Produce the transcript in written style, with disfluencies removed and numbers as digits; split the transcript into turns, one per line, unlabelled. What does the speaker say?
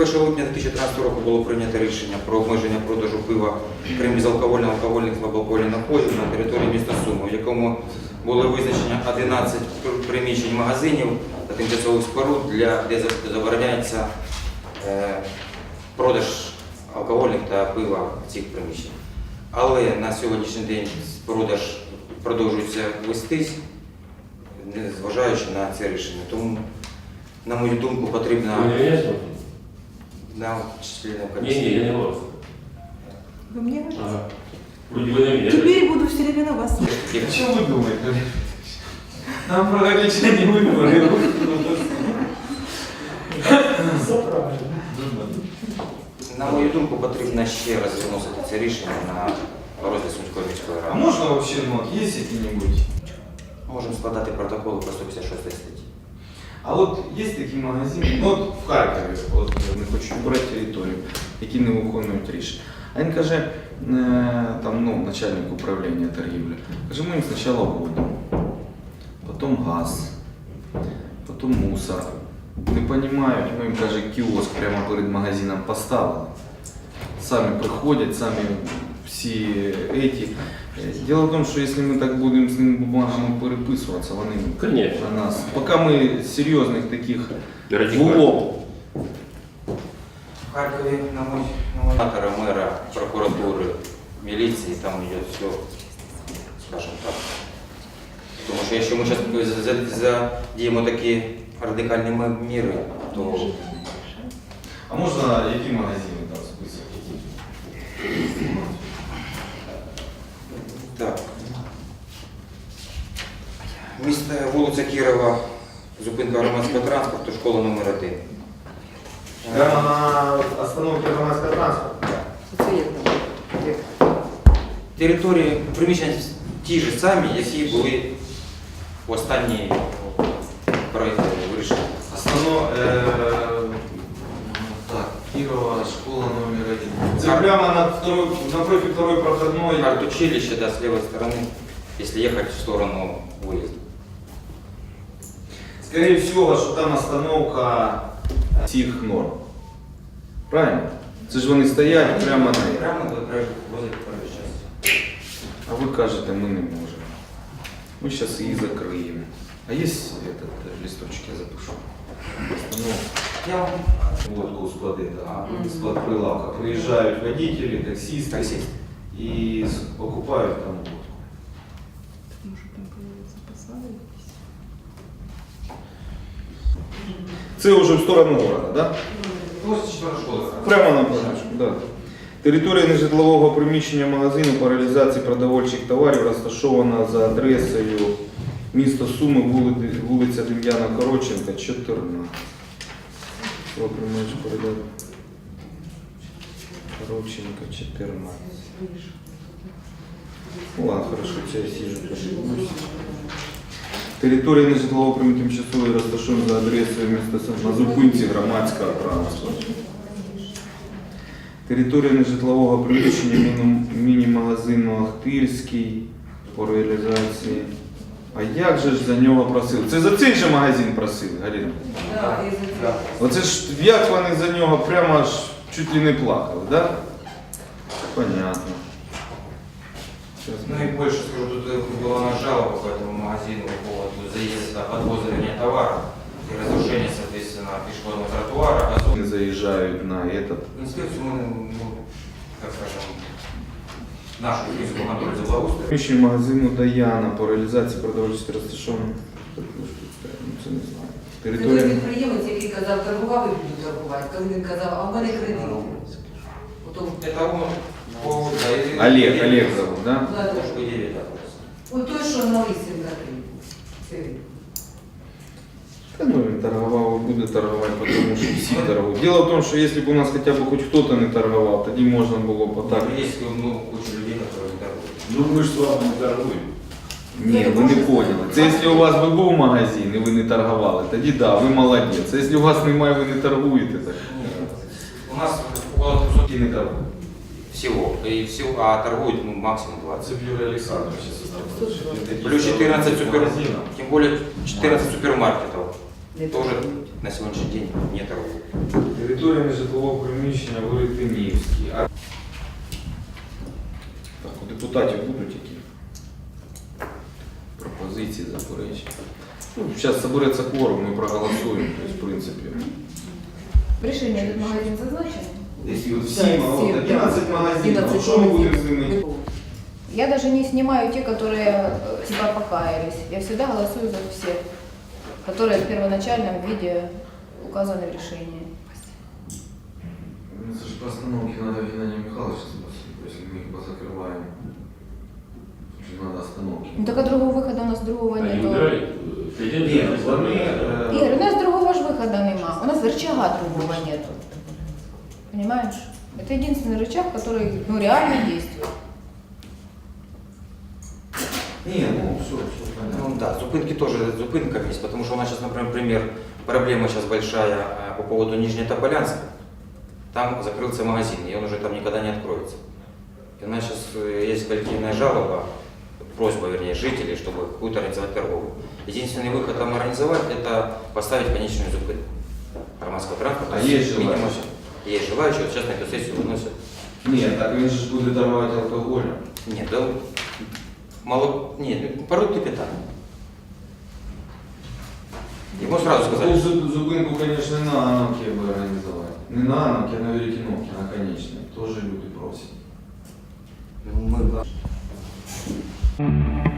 1 липня 2013 року було прийнято рішення про обмеження продажу пива, крім безалкогольних, алкогольних та слабоалкогольних напоїв на території міста Суми, в якому були визначені 11 приміщень магазинів та тимчасових споруд, де забороняється продаж алкогольних та пива в цих приміщеннях. Але на сьогоднішній день продаж продовжується вестись, незважаючи на це рішення. Тому, на мою думку, потрібно... Да, членам комиссии.
Не, я не вас.
Вы мне говорите?
Ага. Вроде бы на меня.
Теперь буду все время на вас слушать.
Что вы думаете? Нам продавец не выбрали.
Все правильно.
На мою думку, потрібно ще раз виносити це рішення на розгляд Сумської міської
А
ради.
можно вообще, есть какие-нибудь?
Можемо складати протоколи по 156 статті.
А вот есть такие магазины, ну от в Харкові, от не хочу брати територію, які не виконують рішення. А він каже, там, начальник управління торгівлі, каже, ми їм спочатку воду, потім газ, потім мусор. Не розуміють, ми їм, каже, кіоск прямо перед магазином поставили. Самі приходять, самі всі эти. Дело в том, что если мы так будем с ними бумагами переписываться, вони
Конечно.
на нас. Пока мы серьезных таких в
Радикально.
лоб.
В Харкові на мэра, прокуратури, міліції, там йде все, скажімо так. Тому що якщо ми зараз задіємо такі радикальні міри, то...
А можно які магазины там список?
Так. Місто вулиця Кірова, зупинка громадського транспорту, школа номер 1.
Прямо на остановке громадського транспорту?
Території, приміщення ті ж самі, які були в останній проєкті вирішення.
Так, Кирова, школа номер 1. Це прямо напротив второй проходной.
Артучилище, да, с левой стороны, если ехать в сторону выезда.
Скорее всего, що там остановка цих норм. Правильно? Це ж вони стоять прямо на неї.
Прямо возле проезжей части.
А ви кажете, ми не можемо. Ми зараз її закриємо. А є этот листочок, я запишу. Остановка.
Я вам...
Водку склады, да. Склад прилавка. Приезжают водители, таксисты,
Таксист.
и покупают там водку.
Может, там появится посада?
Це вже в сторону города, да?
Возле 4 школы.
Прямо на позначку, да. Територія нежитлового приміщення магазину по реалізації продовольчих товарів розташована за адресою місто Суми, вулиця Дем'яна Коротченка, 14. Срок приймаєш передати. Коротченка, 14. Ну ладно, хорошо, це я сижу, подивлюсь. Територія нежитлового приміщення тимчасової розташована за адресою міста Суми на зупинці громадського транспорту. Територія нежитлового приміщення міні-магазину Ахтирський по реалізації. А як же ж за нього просили? Це за цей же магазин просили, Галина?
Да, и за
Оце ж як вони за нього прямо аж чуть ли не плакали, да? Понятно. Сейчас
Ну и больше скажу, тут была на жалоба по этому магазину по поводу заезда, подвоза товара и разрушения, соответственно, пешеходного тротуара.
они заезжают на этот.
Инспекцию мы, так скажем, нашу физику контроль за благоустройством.
Приміщення магазину Даяна по реалізації продовольчих розташованих. Ну, це не знаю.
Це той
Територія.
підприємець, який казав, торгував і буду торгувати. Коли він казав, а в мене кредит. Потім,
Это он по...
Олег зовут, да?
По идее, да.
от той, що на Лисенка 3. Це він.
Да, ну, він торгував і буде торгувати, тому що всі торгують. Дело в том, что если бы у нас хотя бы хоть кто-то не торговал, тоді можна було б так.
Есть куча людей, которые не торгуют.
Ну мы же с вами не торгуем.
Ні, ви не поняли. Це якщо у вас би був магазин і ви не торгували, тоді да, ви молодець. А якщо у вас немає, ви не торгуєте, так.
У нас около 300
І не торгуєте.
всего. И всего, а торгуют максимум 20.
Юрий Александрович.
Плюс 14 тем более 14 супермаркетов.
не
тоже
торгують.
на сегодняшний день не торгуют.
Територія нежитлового приміщення Великденівській. Так, у депутатів будуть які пропозиції, заперечення? Ну, зараз збереться кворум, ми проголосуємо, тобто, в принципі.
В решении этот магазин зазначен?
Якщо
Да,
всі, 11 магазинів,
11
що ми будемо з ними?
Я даже не снимаю те, которые типа покаялись. Я всегда голосую за всех, которые в первоначальном виде указаны в решении.
Ну, це ж по остановке надо Геннадия Михайловича спросить, если мы их позакрываем. Надо остановки.
Ну так а другого выхода у нас другого
Они
нету.
убирали
Ні, вони...
Игорь, у нас другого ж выхода нема. У нас рычага другого нету. Понимаешь? Это единственный рычаг, который реально действует.
Ні, ну все, понятно.
Ну да, зупинки тоже зупинками есть, потому что у нас сейчас, например, проблема сейчас большая по поводу Нижнетоболянска. Там закрылся магазин, и он уже там никогда не откроется. И у нас сейчас есть коллективная жалоба, просьба, вернее, жителей, чтобы какую-то организовать торговлю. Единственный выход там организовать – это поставить конечную зупинку громадского транспорта.
А есть
Минимум-
желающие?
Есть желающие, вот сейчас на эту сессию выносят.
Ні, так він же ж буде торгувати алкоголем.
Нет, да, мало, нет, порой питания. Ему сразу сказали,
Ну, зупинку, конечно, на Анамке бы организовать. Не на Анамке, а на Веретеновке, на конечной. Тоже люди просят.
мы